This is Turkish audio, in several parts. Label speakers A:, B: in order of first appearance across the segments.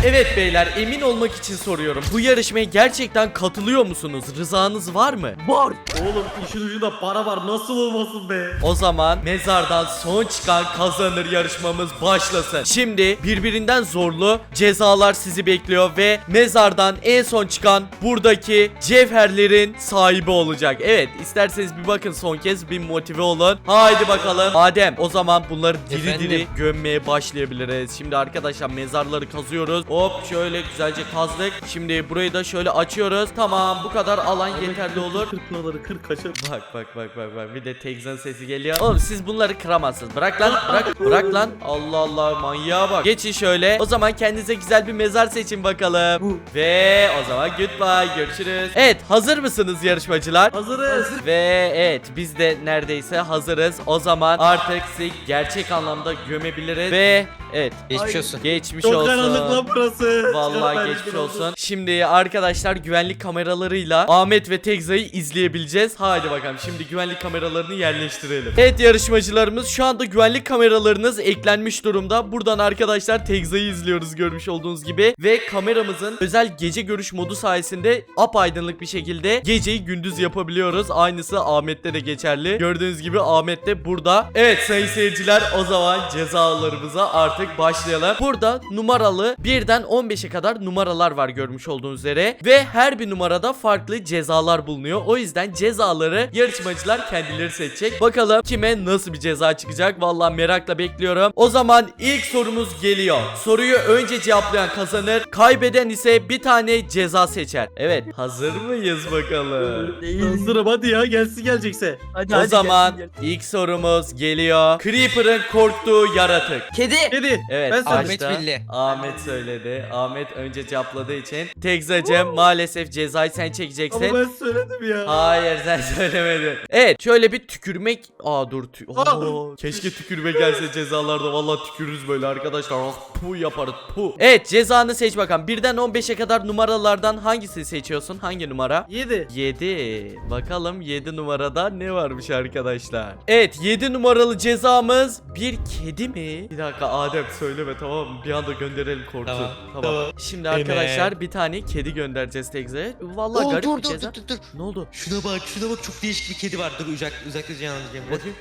A: Evet beyler, emin olmak için soruyorum. Bu yarışmaya gerçekten katılıyor musunuz? Rızanız var mı?
B: Var. Oğlum işin ucunda para var. Nasıl olmasın be?
A: O zaman mezardan son çıkan kazanır yarışmamız başlasın. Şimdi birbirinden zorlu cezalar sizi bekliyor ve mezardan en son çıkan buradaki cevherlerin sahibi olacak. Evet, isterseniz bir bakın son kez, bir motive olun. Haydi bakalım. Adem, o zaman bunları diri diri gömmeye başlayabiliriz. Şimdi arkadaşlar mezarları kazıyoruz. Hop şöyle güzelce kazdık. Şimdi burayı da şöyle açıyoruz. Tamam, bu kadar alan yeterli olur.
B: Kır paraları kır kaçır.
A: Bak. Bir de Tekzan sesi geliyor. Oğlum siz bunları kıramazsınız. Bırak lan, bırak lan. Allah Allah, manyağa bak. Geçin şöyle. O zaman kendinize güzel bir mezar seçin bakalım. Ve o zaman goodbye, görüşürüz. Evet, hazır mısınız yarışmacılar?
B: Hazırız.
A: Ve evet, biz de neredeyse hazırız. O zaman artık sizi gerçek anlamda gömebiliriz. Ve evet,
C: Geçmiş olsun.
A: geçmiş
B: Çok
A: olsun.
B: karanlık lan burası.
A: Vallahi
B: Çok
A: geçmiş
B: karanlık
A: olsun. Şimdi arkadaşlar güvenlik kameralarıyla Ahmet ve Tekza'yı izleyebileceğiz. Haydi bakalım, şimdi güvenlik kameralarını yerleştirelim. Evet yarışmacılarımız, şu anda güvenlik kameralarınız eklenmiş durumda. Buradan arkadaşlar Tekza'yı izliyoruz görmüş olduğunuz gibi. Ve kameramızın özel gece görüş modu sayesinde apaydınlık bir şekilde geceyi gündüz yapabiliyoruz. Aynısı Ahmet'te de geçerli. Gördüğünüz gibi Ahmet de burada. Evet sayın seyirciler, o zaman cezalarımıza artık başlayalım. Burada numaralı 1'den 15'e kadar numaralar var görmüş olduğunuz üzere. Ve her bir numarada farklı cezalar bulunuyor. O yüzden cezaları yarışmacılar kendileri seçecek. Bakalım kime nasıl bir ceza çıkacak. Vallahi merakla bekliyorum. O zaman ilk sorumuz geliyor. Soruyu önce cevaplayan kazanır. Kaybeden ise bir tane ceza seçer. Evet, hazır mıyız bakalım?
B: Hazırım, hadi ya, gelsin gelecekse.
C: Hadi,
A: O zaman ilk sorumuz geliyor. Creeper'ın korktuğu yaratık.
C: Kedi.
B: Kedi.
A: Evet,
B: Ben
C: Ahmet
A: başta
C: bildi.
A: Ahmet söyledi. Ahmet önce cevapladığı için. Tekzacığım maalesef cezayı sen çekeceksin.
B: Ama ben söyledim ya.
A: Hayır, sen söylemedin. Evet, şöyle bir tükürmek. Keşke tükürme gelse cezalarda. Vallahi tükürürüz böyle arkadaşlar. Puh yaparız, puh. Evet, cezanı seç bakalım. 1'den 15'e kadar numaralardan hangisini seçiyorsun? Hangi numara?
B: 7.
A: 7. Bakalım 7 numarada ne varmış arkadaşlar. Evet, 7 numaralı cezamız bir kedi mi? Bir dakika Adem, söyleme, tamam mı? Bir anda gönderelim, korksun. Tamam. Şimdi arkadaşlar bir tane kedi göndereceğiz Tekza'ya. Vallahi garip bir ceza.
C: Dur.
A: Ne oldu?
C: Şuna bak çok değişik bir kedi var. Dur uzakta canlandıracağım.
A: Bakayım.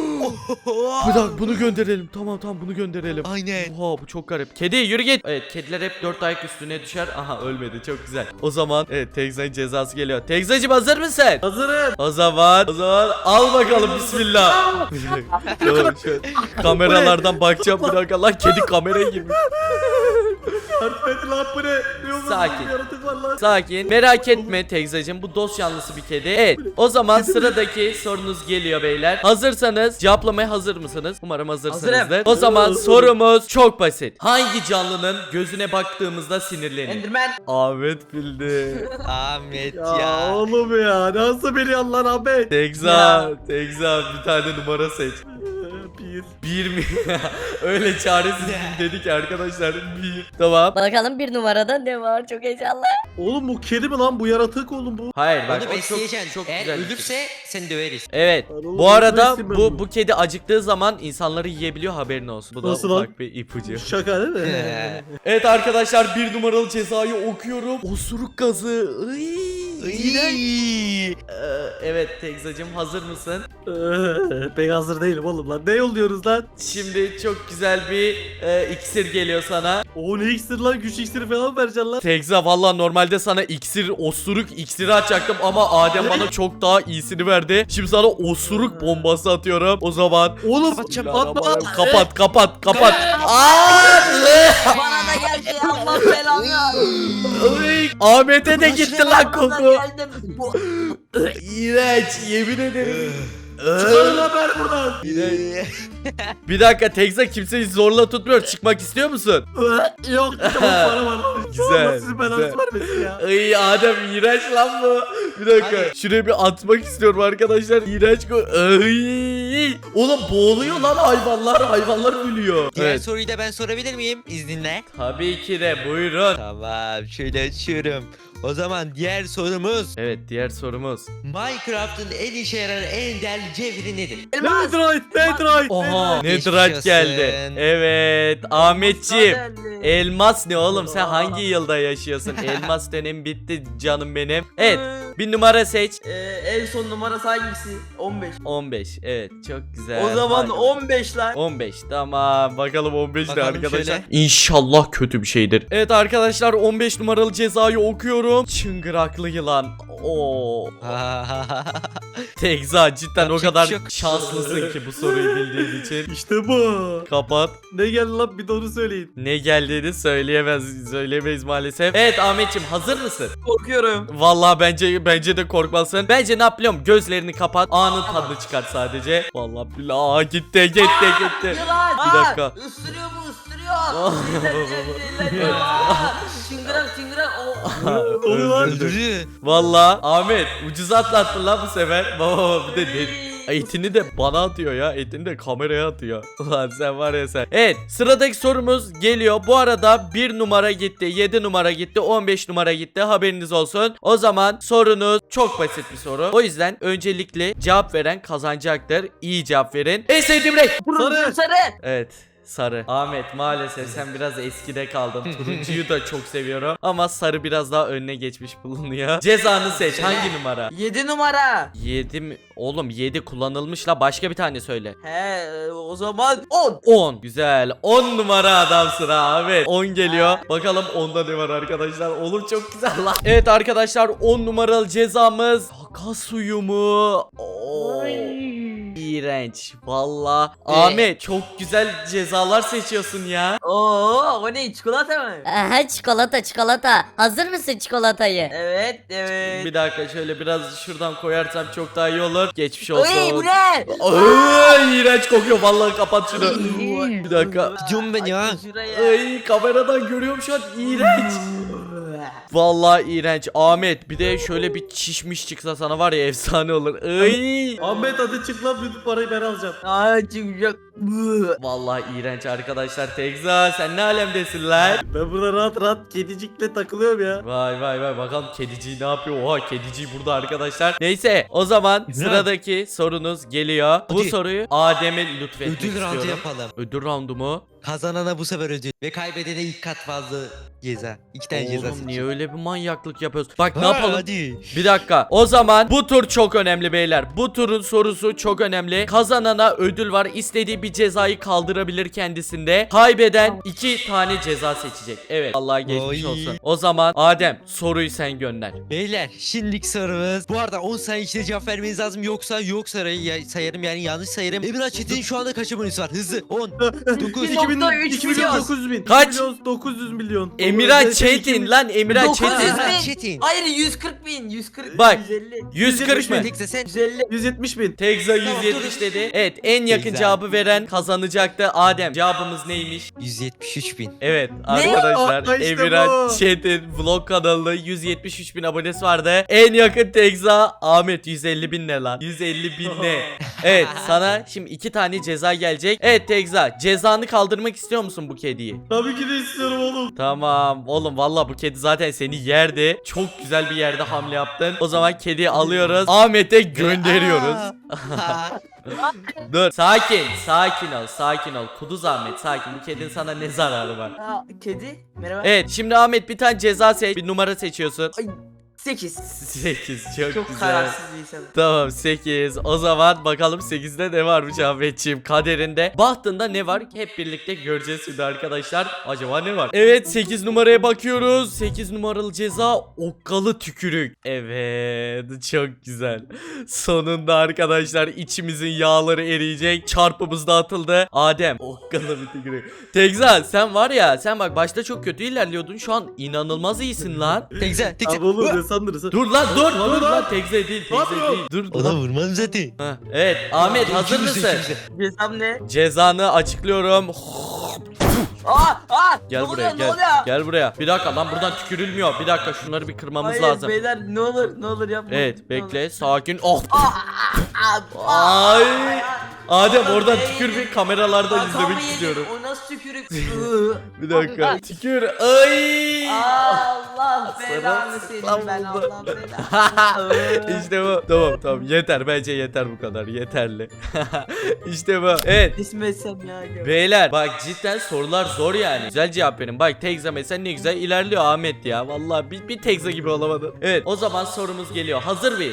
A: Bir dakika, bunu gönderelim. Tamam bunu gönderelim.
C: Aynen.
A: Oha, bu çok garip. Kedi yürü git. Evet, kediler hep 4 ayak üstüne düşer. Aha, ölmedi, çok güzel. O zaman evet, Tekza'nın cezası geliyor. Tekza'cığım hazır mısın?
B: Hazırım.
A: O zaman al bakalım, bismillah. Tamam, şöyle kameralardan bakacağım, bir dakika lan, kedi kameraya girmiş.
B: Yardım edin lan, bu ne? Ne oldu?
A: Sakin.
B: Yaratık var lan.
A: Sakin, merak etme Tekzacığım, bu dost yanlısı bir kedi. Evet, o zaman sıradaki sorunuz geliyor beyler. Hazırsanız cevaplamaya hazır mısınız? Umarım hazırsınızdır.
C: Hazırım.
A: O zaman sorumuz çok basit. Hangi canlının gözüne baktığımızda sinirlenir?
C: Enderman.
A: Ahmet bildi.
C: Ahmet
B: Ya,
C: ya.
B: oğlum ya, nasıl biliyorsun lan Ahmet?
A: Tekza bir tane numara seç.
B: 1.
A: Bir mi? Öyle çaresiz dedik arkadaşlar. Bir. Tamam.
D: Bakalım bir numarada ne var, çok heyecanlı.
B: Oğlum bu kedi mi lan? Bu yaratık oğlum bu.
A: Hayır bak,
C: Onu
A: o çok
C: besleyeceksin. Eğer
A: güzel. bir şey.
C: ölürse seni döveriz.
A: Evet.
B: Oğlum,
A: Bu arada
B: nasıl ben
A: bu kedi acıktığı zaman insanları yiyebiliyor, haberin olsun. Bu da
B: Nasıl lan?
A: ufak bir ipucu.
B: Şaka değil mi?
A: Evet arkadaşlar, bir numaralı cezayı okuyorum. Osuruk gazı. İğrenç. Evet Tekzacığım, hazır mısın?
B: Ben hazır değilim oğlum lan. Ne yolluyoruz lan?
A: Şimdi çok güzel bir iksir geliyor sana.
B: O ne iksir lan? Güç iksiri falan mı vereceksin lan?
A: Tekza, valla normalde sana osuruk iksiri atacaktım ama Adem bana çok daha iyisini verdi. Şimdi sana osuruk bombası atıyorum. O zaman
B: Oğlum
C: Kapatacağım.
B: atma.
A: kapat.
D: Bana da geldi, Allah belanı.
A: Ahmet'e de gitti lan koku.
D: Geldim.
A: İğrenç, yemin ederim.
B: Çıkarın haber buradan.
A: Bir dakika Tekza, kimseyi zorla tutmuyor. Çıkmak istiyor musun?
B: Yok, tamam, para var.
A: Güzel,
B: Allah sizi belanızı
A: güzel.
B: vermesin ya.
A: Ay Adem, iğrenç lan bu. Bir dakika.
C: Hadi.
A: Şuraya bir atmak istiyorum arkadaşlar. İğrenç Ay! Oğlum boğuluyor lan hayvanlar. Hayvanlar ölüyor.
C: Diğer
A: Evet.
C: soruyu da ben sorabilir miyim izninle?
A: Tabii ki de buyurun.
C: Tamam şöyle açıyorum. O zaman diğer sorumuz
A: Evet diğer sorumuz.
C: Minecraft'ın en işe yarayan en değerli cevheri nedir?
D: Elmas.
B: Netherite.
A: Oha.
C: Geçmiş
A: Netherite
C: olsun.
A: geldi. Evet Ahmetciğim.
D: Geldi.
A: Elmas ne oğlum sen hangi yılda yaşıyorsun? Elmas dönem bitti canım benim. Evet bir numara seç.
E: En son numarası hangisi? 15.
A: 15 evet çok güzel.
E: O zaman
A: Hadi.
E: 15 lan.
A: 15 tamam bakalım 15 ne
C: Bakalım
A: arkadaşlar.
C: şöyle.
A: İnşallah kötü bir şeydir. Evet arkadaşlar 15 numaralı cezayı okuyorum. Çıngıraklı yılan. Oo. Tekza cidden o
C: Yapacak
A: kadar
C: bir şey yok.
A: şanslısın ki bu soruyu bildiğin için.
B: İşte bu.
A: Kapat.
B: Ne geldi lan bir de onu söyleyin.
A: Ne geldiğini söyleyemeyiz maalesef. Evet Ahmetciğim hazır mısın?
E: Korkuyorum.
A: Vallahi bence de korkmalısın. Bence ne yapıyorum? Gözlerini kapat. Anın tadını çıkart sadece. Vallahi billahi gitti.
E: Yılan.
A: Bir dakika.
E: Isırıyor bu ısırıyor.
A: Oh.
E: Çıngırak çıngırak.
B: Oluyor lan.
C: Öldürdü.
A: Vallahi Ahmet ucuz atlattın lan bu sefer. Baba bir de etini de bana atıyor ya. Etini de kameraya atıyor. Ulan sen var ya sen. Evet sıradaki sorumuz geliyor. Bu arada 1 numara gitti. 7 numara gitti. 15 numara gitti. Haberiniz olsun. O zaman sorunuz çok basit bir soru. O yüzden öncelikle cevap veren kazanacaktır. İyi cevap verin. En sevdiğim renk.
B: Sarı.
E: Sarı.
A: Evet. Sarı. Ahmet maalesef sen biraz eskide kaldın. Turuncuyu da çok seviyorum. Ama sarı biraz daha önüne geçmiş bulunuyor. Cezanı seç. Hangi numara?
E: 7 numara.
A: 7 mi? Oğlum 7 kullanılmış la. Başka bir tane söyle.
E: O zaman 10.
A: 10. Güzel. 10 numara adamsın ha Ahmet. 10 geliyor. Bakalım onda ne var arkadaşlar. Oğlum çok güzel lan. Evet arkadaşlar 10 numaralı cezamız. Kaka suyu mu? Oo. İğrenç. Valla. Ahmet çok güzel cezalar seçiyorsun ya.
E: Oo, o ne çikolata mı?
D: Aha çikolata. Hazır mısın çikolatayı?
E: Evet.
A: Bir dakika şöyle biraz şuradan koyarsam çok daha iyi olur. Geçmiş olsun.
E: Oy bu ne?
A: Ay, iğrenç kokuyor. Vallahi kapat şunu. Bir dakika.
C: Gidiyorum ben ya.
E: Açın şuraya.
A: Ay kameradan görüyorum şu an. İğrenç. Vallahi iğrenç. Ahmet bir de şöyle bir çişmiş çıksa sana var ya efsane olur. Ay.
B: Ahmet hadi çık lan bütün parayı ben alacağım.
E: Aa çıkacak.
A: Vallahi iğrenç arkadaşlar. Tekza sen ne alemdesin lan?
B: Ben burada rahat rahat kedicikle takılıyorum ya.
A: Vay bakalım kediciği ne yapıyor? Oha kediciği burada arkadaşlar. Neyse o zaman sıradaki sorunuz geliyor. Bu
C: Hadi.
A: soruyu Adem'e lütfetmek
C: Ödül roundu
A: istiyorum.
C: yapalım.
A: Ödül roundu mu?
C: Kazanana bu sefer ödül. Ve kaybedene ilk kat fazla ceza. 2 tane ceza
A: Oğlum
C: seçin.
A: niye öyle bir manyaklık yapıyorsun? Bak ne
C: Ha,
A: yapalım?
C: Hadi.
A: Bir dakika. O zaman bu tur çok önemli beyler. Bu turun sorusu çok önemli. Kazanana ödül var. İstediği bir cezayı kaldırabilir kendisinde. Kaybeden 2 tane ceza seçecek. Evet. Allah geçmiş
C: Oy.
A: olsun. O zaman Adem soruyu sen gönder.
C: Beyler şimdilik sorumuz. Bu arada 10 saniye içinde cevap vermeniz lazım. Yoksa sayarım yani yanlış sayarım. Emrah Çetin şu anda kaç abonesi var? Hızlı 10, 9,
E: 2
B: 2 milyon 900 bin.
A: Kaç?
B: 2 milyon 900 milyon.
A: Emirhan Çetin lan Emirhan
E: 900
A: Çetin.
E: bin.
C: Emrah Çetin.
E: Hayır 140 bin. 140
A: Bak.
E: 150.
A: 140 mı?
C: Tekse sen
E: 150.
B: 170 bin.
A: Tekza
C: Tamam,
A: 170
C: dur.
A: dedi. Evet en yakın
C: Tekza.
A: cevabı veren kazanacaktı. Adem cevabımız neymiş?
C: 173 bin.
A: Evet arkadaşlar
B: Aa, işte
A: Emirhan
B: bu.
A: Çetin vlog kanalında 173 bin abonesi vardı. En yakın Tekza Ahmet 150 bin ne lan? 150 bin ne? Evet sana şimdi 2 tane ceza gelecek. Evet Tekza cezanı kaldırmak istiyor musun bu kediyi?
B: Tabii ki de istiyorum oğlum.
A: Tamam oğlum valla bu kedi zaten seni yerdi. Çok güzel bir yerde hamle yaptın. O zaman kediyi alıyoruz. Ahmet'e gönderiyoruz.
C: Aa.
A: Dur sakin ol. Kuduz Ahmet sakin. Bu kedinin sana ne zararı var?
E: Aa, kedi. Merhaba.
A: Evet şimdi Ahmet bir tane ceza seç. Bir numara seçiyorsun.
E: 8.
A: 8 çok
E: Çok
A: güzel.
E: kararsız bir insanım.
A: Tamam 8. O zaman bakalım 8'de ne varmış Ahmetciğim kaderinde. Bahtında ne var? Hep birlikte göreceğiz şimdi arkadaşlar. Acaba ne var? Evet 8 numaraya bakıyoruz. 8 numaralı ceza okkalı tükürük. Evet çok güzel. Sonunda arkadaşlar içimizin yağları eriyecek. Çarpımız da atıldı. Adem okkalı bir tükürük. Tekza sen var ya sen bak başta çok kötü ilerliyordun. Şu an inanılmaz iyisin lan.
C: Tekse.
B: Abi oğlum ne sandırırsın?
A: Dur lan dur
B: Lan.
A: lan Tekza değil Tekza değil. Dur
C: Ona
A: lan.
C: vurmam zaten.
A: Heh, evet Ahmet hazır mısın?
E: Cezam ne?
A: Cezanı açıklıyorum. Gel
E: ne
A: buraya
E: oluyor,
A: gel.
E: ne oluyor?
A: Gel buraya. Bir dakika lan buradan tükürülmüyor. Bir dakika şunları bir kırmamız
E: Hayır
A: lazım.
E: beyler ne olur yapma.
A: Evet bekle sakin. Oh.
E: Ay.
A: Ay. Adem oradan tükür bir kameralardan izlemek istiyorum.
E: O nasıl tükürük?
A: Bir dakika. Tükür. Ay.
E: Allah belanı senin ben
A: oldu.
E: Allah belanı.
A: İşte bu. Tamam yeter bence yeter bu kadar yeterli. İşte bu. Evet.
E: İsmi etsem ya.
A: Beyler bak cidden sorular zor yani. Güzel cevap verin. Bak Tekza mesela ne güzel ilerliyor Ahmet ya. Vallahi bir Tekza gibi olamadı. Evet o zaman sorumuz geliyor. Hazır mıyız?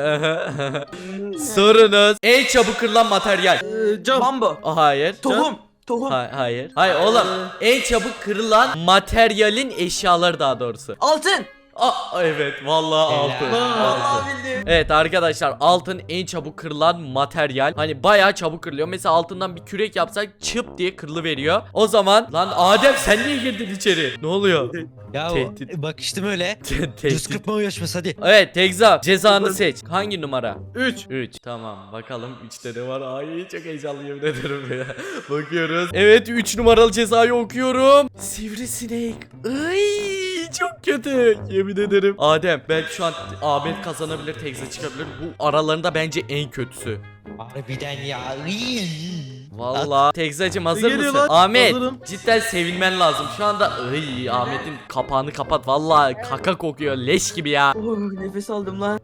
A: Sorunuz en çabuk kırılan materyal.
B: Cam.
E: Bambu.
A: Hayır.
E: Tohum. Tohum.
A: Hayır. Hayır oğlum. En çabuk kırılan materyalin eşyaları daha doğrusu.
E: Altın.
A: Evet vallahi altın.
E: Allah bildim.
A: Evet arkadaşlar altın en çabuk kırılan materyal. Hani bayağı çabuk kırılıyor. Mesela altından bir kürek yapsak çıp diye kırılıveriyor. O zaman lan Adem sen niye girdin içeri? Ne oluyor?
C: Ya
A: Tehdit.
C: bakıştım öyle.
A: Tehdit.
C: 140 yarışması hadi.
A: Evet Tekza cezanı seç. Hangi numara?
B: 3.
A: 3. Tamam bakalım 3'te ne var? Ay çok heyecanlıyım yemin ederim ya. Bakıyoruz. Evet 3 numaralı cezayı okuyorum. Sivrisinek. Ay çok kötü. Yemin ederim. Adem belki şu an Ahmet kazanabilir, Tekza çıkabilir. Bu aralarında bence en kötüsü.
C: Harbiden ya.
A: Vallahi Tekzacığım hazır
B: Geliyor
A: mısın?
B: lan,
A: Ahmet
B: hazırım.
A: cidden sevinmen lazım. Şu anda Ahmet'in kapağını kapat. Vallahi kaka kokuyor leş gibi ya.
E: Nefes aldım lan.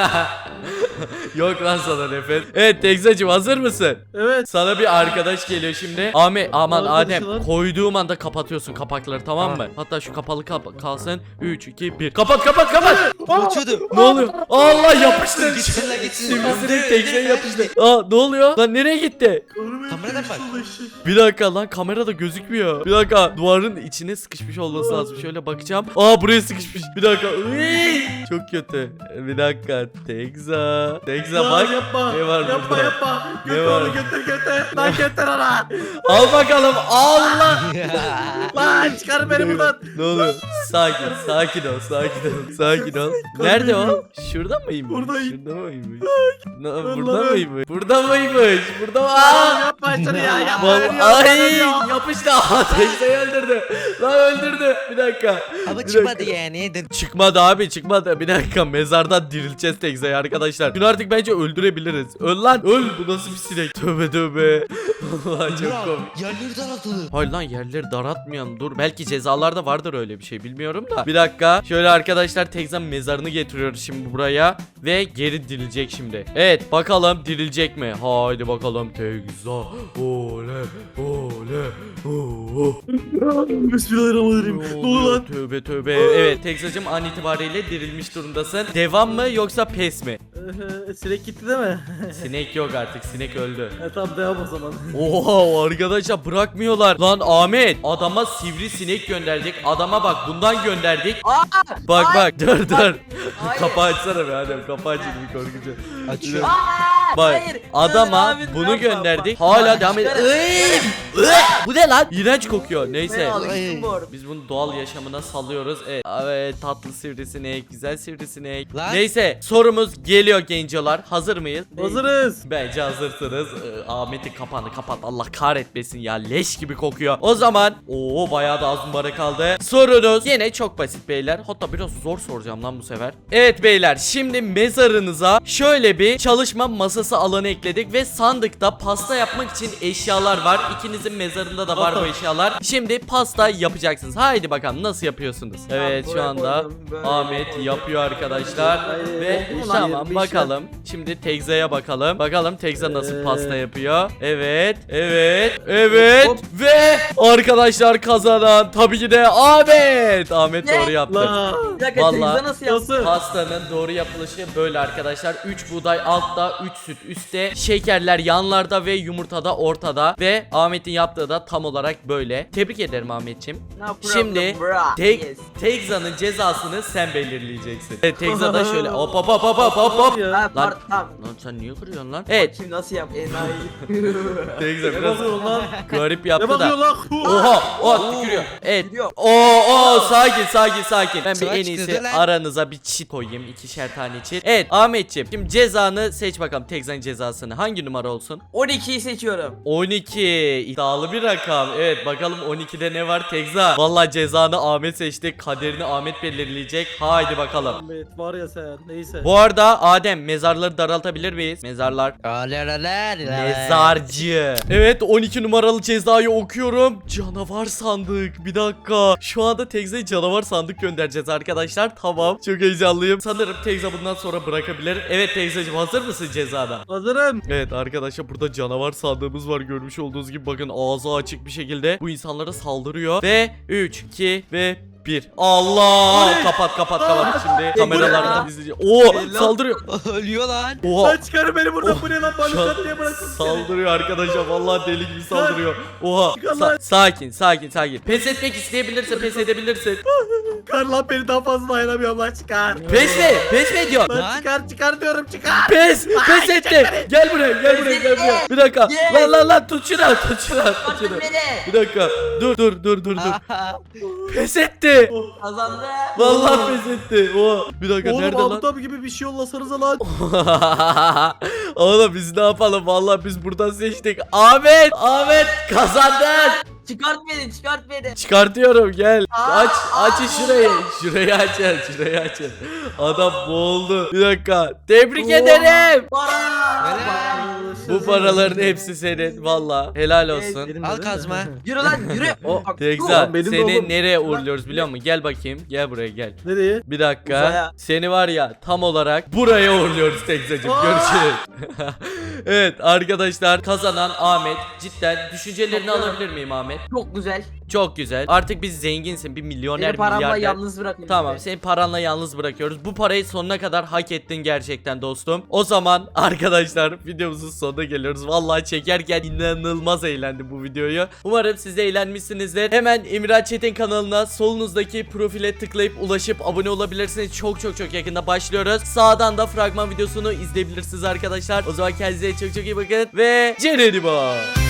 A: Yok lan sana nefes. Evet Tekzacığım hazır mısın?
B: Evet.
A: Sana bir arkadaş geliyor şimdi. Ahmet aman
B: Arkadaşı
A: Adem
B: lan.
A: koyduğum anda kapatıyorsun kapakları tamam mı? Hatta şu kapalı kalsın. 3 2 1. Kapat.
C: Kaçıyordu.
A: Ne oluyor? Allah yapıştı.
C: Gitsin lan gitsin.
A: Sivrisinek Tekza'ya yapıştı. Ne oluyor? Lan nereye gitti?
C: Kameradan bak.
A: Bir dakika lan kamerada gözükmüyor. Bir dakika duvarın içine sıkışmış olması lazım. Şöyle bakacağım. Buraya sıkışmış. Bir dakika. Iy! Çok kötü. Bir dakika. Tekza bak.
B: Yapma.
A: Ne var
B: yapma
A: burada?
B: yapma.
A: Ne
B: Götür
A: var?
B: onu götür. Lan götür ona.
A: Al bakalım. Allah.
B: Lan çıkar beni buradan.
A: Ne oluyor? Sakin ol. Nerede o? Şurada mıymış?
B: Buradayım.
A: Şurada mıymış? Burada
B: Allah'ım.
A: mıymış? Burada mıymış? Burada mı?
B: Lan yapma şunu ya. Yapma.
A: Ay yapıştı. Tekza'yı öldürdü. Lan öldürdü. Bir dakika.
C: Ama
A: Bir
C: çıkmadı
A: dakika.
C: yani.
A: Çıkmadı abi çıkmadı. Bir dakika mezardan dirileceğiz Tekza'yı arkadaşlar. Şunu artık bence öldürebiliriz. Öl lan öl. Bu nasıl bir sinek? Tövbe. Allah çok komik.
C: Yerleri daraltıldı.
A: Hayır lan yerleri daraltmayalım dur. Belki cezalarda vardır öyle bir şey bilmiyorum da. Bir dakika. Şöyle arkadaşlar Tekza'nın mezarını getiriyoruz şimdi buraya. Ve geri dirilecek şimdi. Evet bakalım dirilecek mi? Haydi bakalım Tekza. Oley.
B: Bismillahirrahmanirrahim. Ne oluyor lan?
A: Tövbe. Evet Tekzacığım an itibariyle dirilmiş durumdasın. Devam mı yoksa pes mi?
B: Sinek gitti değil mi?
A: Sinek yok artık. Sinek öldü.
B: Tamam devam o zaman.
A: Oha arkadaşlar bırakmıyorlar. Lan Ahmet adama sivrisinek gönderdik. Adama bak bundan gönderdik. Bak dur. Kapağı açsana be Adem. Kapağı açın bir korkucu.
C: Açıyor.
A: Bak
E: Hayır,
A: adama
E: abi,
A: bunu
E: yapma,
A: gönderdik.
E: bak.
A: Hala devam ediyor. Bu ne lan? İğrenç kokuyor.
E: Ben
A: Neyse.
E: alıştım bu arada.
A: Biz bunu doğal yaşamına salıyoruz. Evet tatlı sivrisinek, güzel sivrisinek.
C: Lan.
A: Neyse sorumuz geliyor gencolar. Hazır mıyız?
B: Hazırız.
A: Bence hazırsınız. Ahmet'in kapağını kapat. Allah kahretmesin ya. Leş gibi kokuyor. O zaman bayağı da az numara kaldı. Sorunuz yine çok basit beyler. Hatta biraz zor soracağım lan bu sefer. Evet beyler şimdi mezarınıza şöyle bir çalışma masası alanı ekledik ve sandıkta pasta yapmak için eşyalar var. İkinizin mezarında da var bu eşyalar. Şimdi pasta yapacaksınız. Haydi bakalım nasıl yapıyorsunuz? Evet şu
E: buraya
A: anda
E: koydum, böyle
A: Ahmet
E: koydum.
A: yapıyor arkadaşlar.
B: Hayır,
A: Ve
B: ulan
A: tamam
B: bir
A: bakalım. Şimdi Tekza'ya bakalım. Bakalım Tekza nasıl pasta yapıyor. Evet.
E: Hop.
A: Ve arkadaşlar kazanan tabii ki de Ahmet. Ahmet
E: Ne?
A: doğru yaptı.
B: Lan.
E: Bir dakika
A: Vallahi-
E: Tekza nasıl yaptın?
B: Nasıl?
A: Pastanın doğru yapılışı böyle arkadaşlar. 3 buğday altta, 3 süt üstte, şekerler yanlarda ve yumurtada ortada. Ve Ahmet'in yaptığı da tam olarak böyle. Tebrik ederim Ahmetciğim.
E: No problem,
A: Şimdi
E: bro. Yes.
A: Tekza'nın cezasını sen belirleyeceksin. Evet Tekza da şöyle hop.
B: Ya.
E: Ha,
A: Lan-
E: tamam.
A: Lan sen niye kırıyorsun lan? Evet
E: Şimdi nasıl yap? Enayi.
A: Tekza
B: Ne
A: biraz
B: bakıyorsun lan?
A: garip
B: Ne
A: yaptı
B: bakıyorsun
A: da.
B: lan?
A: Oha tükürüyor. Evet.
E: Gidiyor.
A: Sakin. Ben bir
C: Sıra
A: en
C: çıktı
A: iyisi
C: lan.
A: aranıza bir çit koyayım. 2'şer tane çit. Evet Ahmetciğim şimdi cezanı seç bakalım. Tekza'nın cezasını? Hangi numara olsun?
E: 12'yi seçiyorum.
A: 12 iddialı bir rakam. Evet bakalım 12'de ne var Tekza? Vallahi cezanı Ahmet seçti. Kaderini Ahmet belirleyecek. Haydi bakalım.
B: Ahmet var ya sen. Neyse.
A: Bu arada Adem mezarları daraltabilir miyiz? Mezarlar. Mezarcı. Evet 12 numaralı cezayı okuyorum. Canavar sandık. Bir dakika. Şu anda Tekza'ya canavar sandık göndereceğiz arkadaşlar. Tamam. Çok heyecanlıyım. Sanırım Tekza bundan sonra bırakabilir. Evet Tekza'cığım hazır mısın cezada?
B: Hazırım.
A: Evet arkadaşlar burada canavar sandığımız var. Görmüş olduğunuz gibi bakın ağzı açık bir şekilde bu insanlara saldırıyor. Ve 3, 2 ve 1. Allah! Kapat. Şimdi kameralardan izleyeceğiz. Oo saldırıyor.
C: Ölüyor lan.
A: Oha.
B: Lan çıkarın beni buradan. Bu ne lan?
A: Şu an
B: Bana diye bırakın.
A: saldırıyor arkadaşlar. Vallahi deli gibi saldırıyor. Oha.
B: Çıkar lan.
A: Sakin. Pes etmek isteyebilirsin, pes edebilirsin.
B: Çıkar lan beni daha fazla dayanamıyorum lan çıkar.
A: Pes mi ediyor?
B: Lan
C: Lan.
B: çıkar diyorum çıkar.
A: Pes etti. Gel buraya. Bir dakika. Lan tut şunu.
E: Artık beni.
A: Bir dakika. Dur. Pes etti.
E: Kazandı.
A: Vallahi pes etti. Oha. Bir dakika
B: Oğlum
A: nerede lan?
B: Mahmut gibi bir şey yollasanıza lan.
A: Oğlum biz ne yapalım? Vallahi biz buradan seçtik. Ahmet kazandın.
E: Çıkart beni.
A: Çıkartıyorum gel. Aç şurayı açın. Adam boğuldu. Bir dakika. Tebrik ederim.
E: Para.
A: Bu paraların hepsi senin. Vallahi helal olsun.
B: Benim
C: Al
B: de-
C: kazma.
E: Yürü lan yürü.
A: O
E: Bak,
A: Tekza
B: Oğlum, benim de
A: seni
B: oğlum.
A: nereye uğurluyoruz biliyor musun? Gel bakayım. Gel buraya gel.
B: Nereye?
A: Bir dakika.
E: Uzaya.
A: Seni var ya tam olarak buraya uğurluyoruz Tekzacığım. Görüşürüz. Evet arkadaşlar kazanan Ahmet. Cidden düşüncelerini alabilir miyim Ahmet?
E: Çok güzel.
A: Çok güzel. Artık biz zenginsin. Bir milyoner
E: Beni paramla
A: milyarder.
E: yalnız bırakın.
A: Tamam
E: işte.
A: seni paranla yalnız bırakıyoruz. Bu parayı sonuna kadar hak ettin gerçekten dostum. O zaman arkadaşlar videomuzun sonuna geliyoruz. Vallahi çekerken inanılmaz eğlendim bu videoyu. Umarım siz de eğlenmişsinizdir. Hemen Emirhan Çetin kanalına solunuzdaki profile tıklayıp ulaşıp abone olabilirsiniz. Çok yakında başlıyoruz. Sağdan da fragman videosunu izleyebilirsiniz arkadaşlar. O zaman kendinize çok iyi bakın ve Cenedi